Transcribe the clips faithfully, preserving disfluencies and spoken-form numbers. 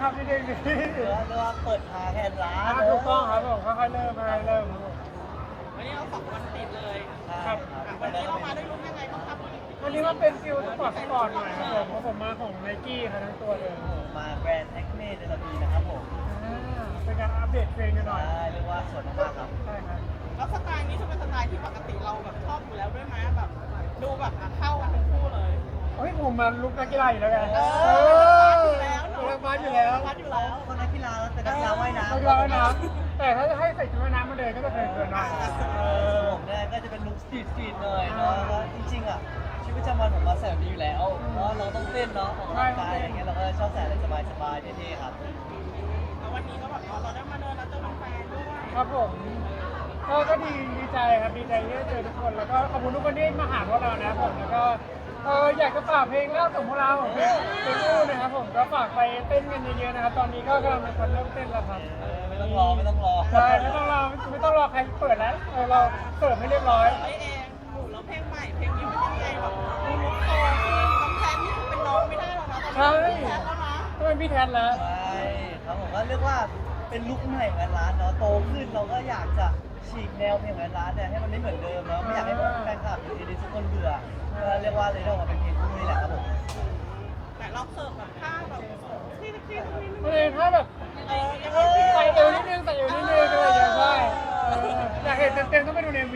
ครับพี่เด้งนี่เรียกว่าเรียกว่าเปิดทางแทนร้านถูกต้องครับผมค่อยๆเริ่มค่อยๆเริ่มวันนี้เราสองวันติดเลยครับวันนี้เรามาได้รู้ยังไงบ้างครับวันนี้มันเป็นฟิลสปอร์ตสปอร์ตหน่อยครับผมเพราะผมมาของไนกี้ครับทั้งตัวเลยมาแบรนด์แอคเน่เดลปีนะครับผมอ่าเป็นการอัปเดตเพลงกันหน่อยใช่เรียกว่าสวยมากครับใช่ครับแล้วสไตล์นี้จะเป็นสไตล์ที่ปกติเราแบบชอบอยู่แล้วด้วยไหมแบบดูแบบเข้ากันทั้งคู่เลยเฮ้ยผมมาลุกนักกีฬาอยู่แล้วไงเอเอออแล้วเออมาอยู่แล้ววัดอยู่แล้วคนนักกีฬาแล้วแต่นักกีฬาว่ายน้ำนักกีฬาว่ายน้ำแต่ถ้าจะให้ใส่ชุดว่ายน้ำมาเดินก็จะเกินเกินหน่อยเออผมเนี่ยก็จะเป็นลุคสตรีทสตรีทหน่อยเนาะแล้วจริงๆอ่ะชีวิตประจำวันผมมาใส่แบบนี้อยู่แล้วเพราะเราต้องเต้นเนาะออกกำลังกายอะไรเงี้ยเราก็ชอบใส่อะไรสบายๆเท่ๆครับแล้ววันนี้ก็แบบเราได้มาเดินแล้วเจอแฟนด้วยครับผมก็ก็ดีดีใจครับดีใจที่ได้เจอทุกคนแล้วก็ขอบคุณทุกคนที่มาหาพวกเรานะครับผมแล้วก็เอออยากจะฝากเพลงเล่าของพวกเราเพลงเพลงอู้นะครับผมก็ฝากไปเต้นกันเยอะๆนะครับตอนนี้ก็กำลังเป็นคนเริ่มเต้นแล้วครับเออไม่ต้องรอไม่ต้องรอใช่ไม่ต้องรอไม่ต้องรอใครเปิดแล้วเออเราเสิร์ฟให้เรียบร้อยไอเองหนูแล้วเพลงใหม่เพลงนี้มันยังไงแบบดูลุกโตขึ้นน้องแทนนี่คือเป็นน้องไม่ได้แล้วนะตอนนี้เป็นแทนแล้วนะก็เป็นพี่แทนแล้วใช่ครับผมก็เรียกว่าเป็นลุคใหม่ของร้านเนาะโตขึ้นเราก็อยากจะฉีกแนวเพลงของร้านเนี่ยให้มันไม่เหมือนเดิมเนาะไม่อยากให้แฟนคลับหรือดีทุกคนเบื่อก็เรียกว่าเลยต้องมาเป็นเพลงคู่นี่แหละครับผมแต่ลองเสิร์ฟแบบท่าแบบที่ที่ตรงนี้ก็เลยถ้าแบบเออยังใส่ไงเอวนิดนึงใส่เอวนิดนึงอะไรอย่างเงี้ยใช่เอออยากเห็นเต็มๆต้องไปดูในวี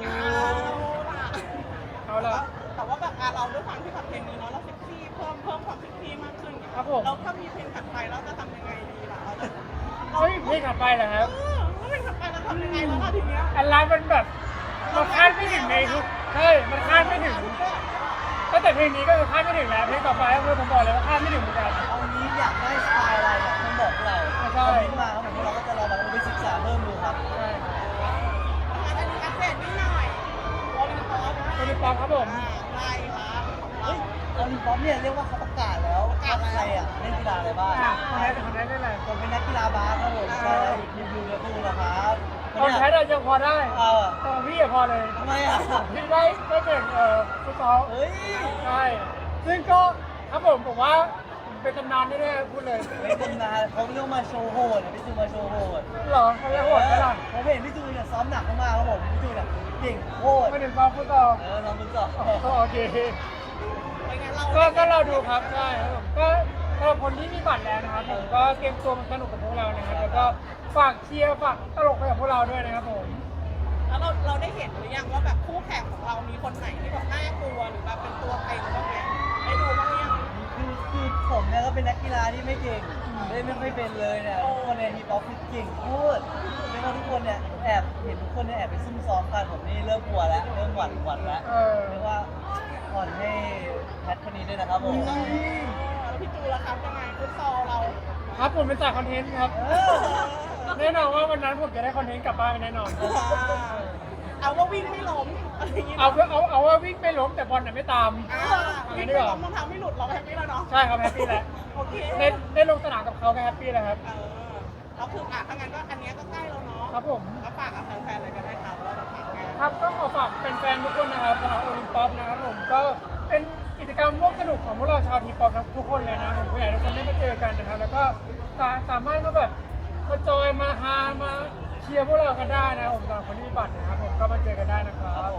เอาล่ะเอาละแต่ว่าแบบเราด้วยความที่แบบเพลงนี้เนาะเราเซ็กซี่เพิ่มเพิ่มความเซ็กซี่มากขึ้นครับผมเราถ้ามีเพลงถัดไปเราจะทำยังไงดีล่ะเราจะเฮ้ยเพลงถัดไปเหรอครับเออแล้วเพลงถัดไปเราทำยังไงแล้วล่ะทีเนี้ยอันร้านมันแบบมันคาดไม่ถึงในทุกใช่มันคาดไม่ถึงตั้งแต่เพลงนี้ก็คือคาดไม่ถึงแล้วเพลงต่อไปก็คือผมบอกเลยว่าคาดไม่ถึงเหมือนกันเอางี้อยากได้สไตล์อะไรเนี่ยต้องบอกพวกเราใช่คอมเมนต์มาครับผมเราก็จะลองแบบไปศึกษาเพิ่มดูครับใช่อันนี้อัปเดตนิดหน่อยโอลิมปิกโอลิมปิกครับผมไล่ค่ะของเราเฮ้ยอลิมปิกเนี่ยเรียกว่าเขาประกาศแล้วว่าใครอ่ะเล่นกีฬาอะไรบ้างอ่ะคนนั้นคนนั้นได้เลยผมเป็นนักกีฬาบาสครับผมใช่รีวิวแล้วดูนะครับคนแพ้เรายังพอได้เออแต่พี่อะพอเลยทำไมอ่ะพี่ได้ได้เก่งเอ่อฟุตซอลเฮ้ยใช่ซึ่งก็ครับผมผมว่าเป็นตำนานแน่ๆพูดเลยเป็นตำนานเขาเรียกมาโชว์โหดพี่จูมาโชว์โหดหรอเขาเรียกโหดไหมล่ะผมเห็นพี่จูเนี่ยซ้อมหนักมากๆครับผมพี่จูเนี่ยเก่งโคตรไม่ถึงซ้อมฟุตซอลเออลองดูก่อนก็โอเคเป็นไงเราก็ก็เราดูครับใช่ครับผมก็สำหรับคนที่มีบัตรแล้วนะครับผมก็เตรียมตัวมาสนุกกับพวกเรานะครับแล้วก็ฝากเชียร์ฝากตลกไปกับพวกเราด้วยนะครับผมแล้วเราเราได้เห็นหรือยังว่าแบบคู่แข่งของเรามีคนไหนที่แบบน่ากลัวหรือแบบเป็นตัวเต็งบ้างไหมได้ดูบ้างหรือยังคือคือผมเนี่ยก็เป็นนักกีฬาที่ไม่เก่งเล่นไม่ค่อยเป็นเลยเนี่ยทุกคนในทีป๊อปคือเก่งโคตรเรียกว่าทุกคนเนี่ยแอบเห็นทุกคนเนี่ยแอบไปซุ่มซ้อมกันผมนี่เริ่มกลัวแล้วเริ่มหวั่นหวั่นแล้วเออเรียกว่าอ่อนให้แพทคนนี้ด้วยนะครับผมแล้วพี่จูล่ะครับยังไงฟุตซอลเราครับผมเป็นสายคอนเทนต์ครับเออแน่นอนว่าวันนั้นผมจะได้คอนเทนต์กลับบ้านไปแน่นอนเอาว่าวิ่งไม่ล้มอะไรอย่างเงี้ยเอาเอาเอาว่าวิ่งไม่ล้มแต่บอลน่ะไม่ตามอ่าเอาวิ่งั้งนดีไม่กว่าล้มรองเท้าไม่หลุดเราแฮปปี้แล้วเนาะใช่ครับแฮปปี้แล้วโอเคได้ได้ลงสนามกับเขาก็แฮปปี้แล้วครับเออแล้วคืออ่ะถ้างั้นก็อันเนี้ยก็ใกล้แล้วเนาะครับผมก็ฝากกับแฟนๆเลยก็ได้ครับว่าเราฝากงานครับก็ขอฝากแฟนๆทุกคนนะครับสำหรับโอลิมปิกนะครับผมก็เป็นกิจกรรมร่วมสนุกของพวกเราชาวทีป๊อปทุกคนเลยนะผมก็อยากให้ทุกคนได้มาเจอกันนะครับแล้วก็สาสามารถมาแบบมาจอยมาฮามาเชียร์พวกเรากันได้นะครับผมสำหรับคนที่มีบัตรนะครับผมก็มาเจอกันได้นะครับ